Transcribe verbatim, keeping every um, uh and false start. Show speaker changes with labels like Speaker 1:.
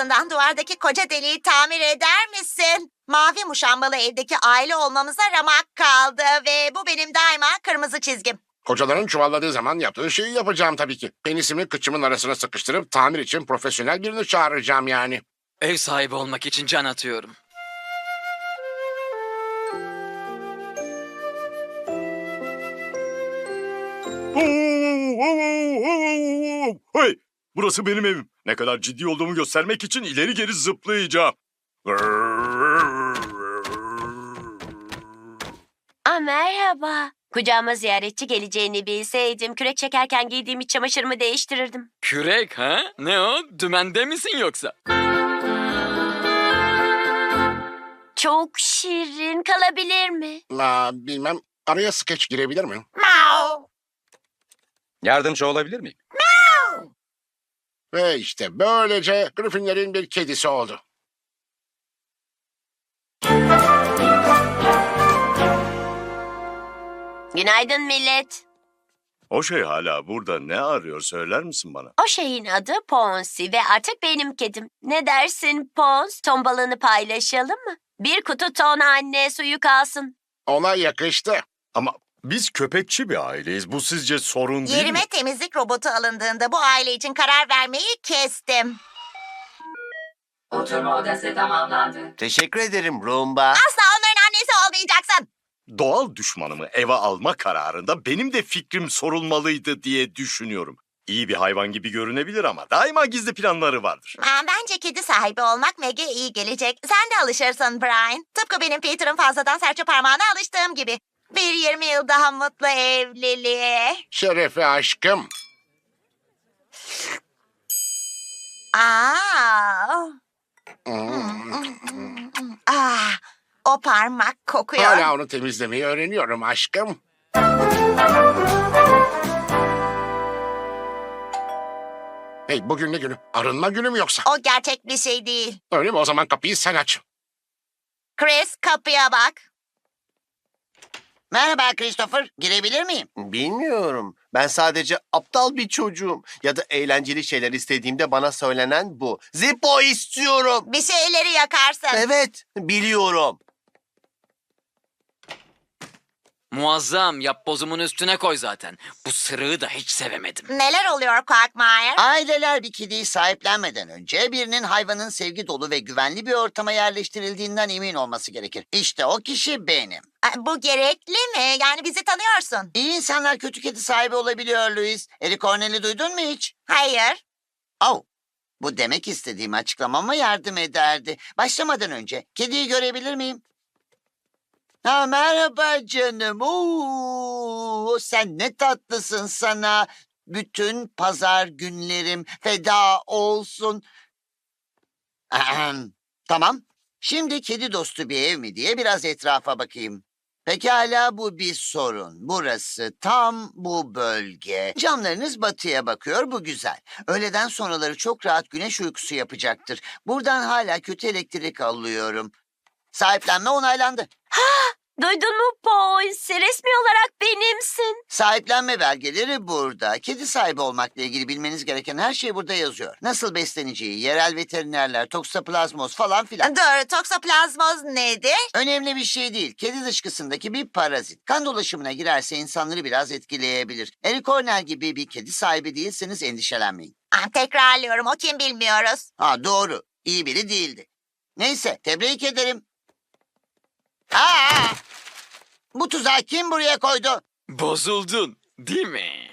Speaker 1: yardımından duvardaki koca deliği tamir eder misin? Mavi muşambalı evdeki aile olmamıza ramak kaldı ve bu benim daima kırmızı çizgim.
Speaker 2: Kocaların çuvalladığı zaman yaptığı şeyi yapacağım tabii ki. Penisimi kıçımın arasına sıkıştırıp tamir için profesyonel birini çağıracağım yani.
Speaker 3: Ev sahibi olmak için can atıyorum.
Speaker 4: Hey, burası benim evim. Ne kadar ciddi olduğumu göstermek için ileri geri zıplayacağım.
Speaker 5: Aa, merhaba. Kucağıma ziyaretçi geleceğini bilseydim kürek çekerken giydiğim iç çamaşırımı değiştirirdim.
Speaker 3: Kürek ha? Ne o? Dümende misin yoksa?
Speaker 5: Çok şirin, kalabilir mi?
Speaker 2: Aa, bilmem, araya skeç girebilir mi?
Speaker 6: Yardımcı olabilir miyim?
Speaker 2: Ve işte böylece Griffinlerin bir kedisi oldu.
Speaker 5: Günaydın millet.
Speaker 4: O şey hala burada ne arıyor söyler misin bana?
Speaker 5: O şeyin adı Ponsi ve artık benim kedim. Ne dersin Pons? Ton balığını paylaşalım mı? Bir kutu ton anne suyu kalsın.
Speaker 2: Ona yakıştı.
Speaker 4: Ama biz köpekçi bir aileyiz. Bu sizce sorun değil
Speaker 1: Yerime
Speaker 4: mi?
Speaker 1: temizlik robotu alındığında bu aile için karar vermeyi kestim.
Speaker 7: Oturma odası tamamlandı.
Speaker 8: Teşekkür ederim Roomba.
Speaker 1: Asla onların annesi olmayacaksın.
Speaker 4: Doğal düşmanımı eve alma kararında benim de fikrim sorulmalıydı diye düşünüyorum. İyi bir hayvan gibi görünebilir ama daima gizli planları vardır.
Speaker 1: Aa, Bence kedi sahibi olmak Meg'e iyi gelecek. Sen de alışırsın Brian. Tıpkı benim Peter'ın fazladan serçe parmağına alıştığım gibi. Bir yirmi yıl daha mutlu evliliğe.
Speaker 2: Şerefe aşkım.
Speaker 1: Aa. Ah, o parmak kokuyor.
Speaker 2: Hala onu temizlemeyi öğreniyorum aşkım. Hey, bugün ne günü? Arınma günü mü yoksa?
Speaker 1: O gerçek bir şey değil.
Speaker 2: Öyle mi? O zaman kapıyı sen aç.
Speaker 1: Chris, kapıya bak.
Speaker 9: Merhaba Christopher, girebilir miyim?
Speaker 8: Bilmiyorum. Ben sadece aptal bir çocuğum. Ya da eğlenceli şeyler istediğimde bana söylenen bu. Zippo istiyorum.
Speaker 1: Bir şeyleri yakarsın.
Speaker 8: Evet, biliyorum.
Speaker 3: Muazzam, yap bozumun üstüne koy zaten. Bu sırığı da hiç sevemedim.
Speaker 1: Neler oluyor Quagmire?
Speaker 9: Aileler bir kediyi sahiplenmeden önce birinin hayvanın sevgi dolu ve güvenli bir ortama yerleştirildiğinden emin olması gerekir. İşte o kişi benim.
Speaker 1: Aa, Bu gerekli mi? Yani bizi tanıyorsun.
Speaker 9: İyi insanlar kötü kedi sahibi olabiliyor Louis. Eric Cornell'i duydun mu hiç?
Speaker 1: Hayır.
Speaker 9: Oh, bu demek istediğim açıklamama yardım ederdi. Başlamadan önce kediyi görebilir miyim? Ha, merhaba canım. Oo, sen ne tatlısın sana. Bütün pazar günlerim feda olsun. Ahem. Tamam. Şimdi kedi dostu bir ev mi diye biraz etrafa bakayım. Pekala, bu bir sorun. Burası tam bu bölge. Camlarınız batıya bakıyor, bu güzel. Öğleden sonraları çok rahat güneş uykusu yapacaktır. Buradan hala kötü elektrik alıyorum. Sahiplenme onaylandı.
Speaker 5: Duydun mu Ponsi? Resmi olarak benimsin.
Speaker 9: Sahiplenme belgeleri burada. Kedi sahibi olmakla ilgili bilmeniz gereken her şey burada yazıyor. Nasıl besleneceği, yerel veterinerler, toksoplazmoz falan filan.
Speaker 1: Dur, toksoplazmoz nedir?
Speaker 9: Önemli bir şey değil. Kedi dışkısındaki bir parazit. Kan dolaşımına girerse insanları biraz etkileyebilir. Eric Cornell gibi bir kedi sahibi değilseniz endişelenmeyin.
Speaker 1: Aa, tekrarlıyorum, o kim bilmiyoruz.
Speaker 9: Ha, doğru. İyi biri değildi. Neyse, tebrik ederim. Aa! Bu tuzağı kim buraya koydu?
Speaker 3: Bozuldun, değil mi?